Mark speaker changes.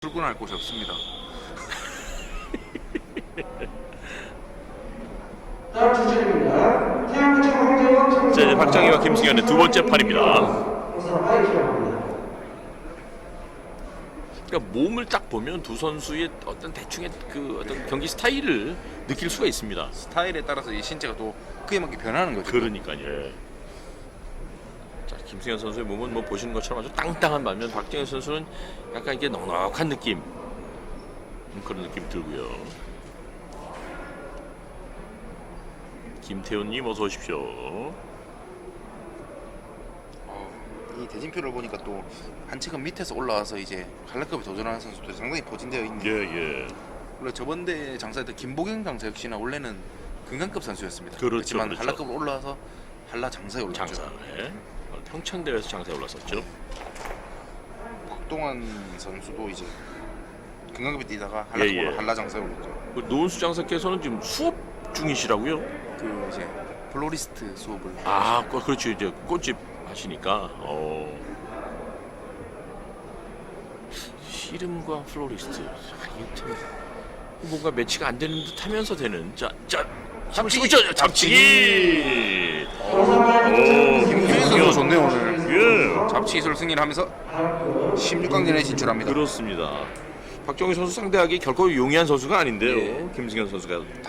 Speaker 1: 출근할 곳이 없습니다.
Speaker 2: 다음 주제입니다. 태양구청 황재원
Speaker 3: 자, 이제 박정희와 김승현의 두 번째 판입니다.
Speaker 2: 우선 파이팅을 합니다.
Speaker 3: 그러니까 몸을 딱 보면 두 선수의 어떤 대충의 그 어떤 경기 스타일을 느낄 수가 있습니다.
Speaker 1: 스타일에 따라서 이 신체가 또 그에 맞게 변하는 거죠.
Speaker 3: 그러니까요. 자, 김승현 선수의 몸은 뭐 보시는 것처럼 아주 땅땅한 반면 박정희 선수는 약간 이게 넉넉한 느낌, 그런 느낌 들고요. 김태훈님 어서 오십시오.
Speaker 1: 이 대진표를 보니까 또 한 체급 밑에서 올라와서 이제 한라급에 도전하는 선수들이 상당히 포진되어 있네요.
Speaker 3: 예.
Speaker 1: 원래 저번대 장사했던 김보경 장사 역시나 원래는 금강급 선수였습니다.
Speaker 3: 그렇죠,
Speaker 1: 그렇지만
Speaker 3: 그렇죠.
Speaker 1: 한라급으로 올라와서 한라 장사에 올랐죠.
Speaker 3: 장사에 평창대회에서 장사에 올랐었죠.
Speaker 1: 박동환 선수도 이제 금강급에 뛰다가
Speaker 3: 예.
Speaker 1: 한라급으로 한라 장사에 올랐죠.
Speaker 3: 그 노은수 장사께서는 지금 수업 중이시라고요?
Speaker 1: 그 이제 플로리스트 수업을
Speaker 3: 아, 그렇죠. 이제 꽃집 하시니까. 씨름과 플로리스트. 이게 참 뭔가 매치가 안 되는 듯하면서 되는. 자, 힘을 쓰고 있죠. 잡치기.
Speaker 1: 김승현 선수 좋네요 오늘.
Speaker 3: 예,
Speaker 1: 잡치 기술 승리를 하면서 16강전에 진출합니다.
Speaker 3: 그렇습니다. 박정희 선수 상대하기 결코 용이한 선수가 아닌데요.
Speaker 1: 예.
Speaker 3: 김승현 선수가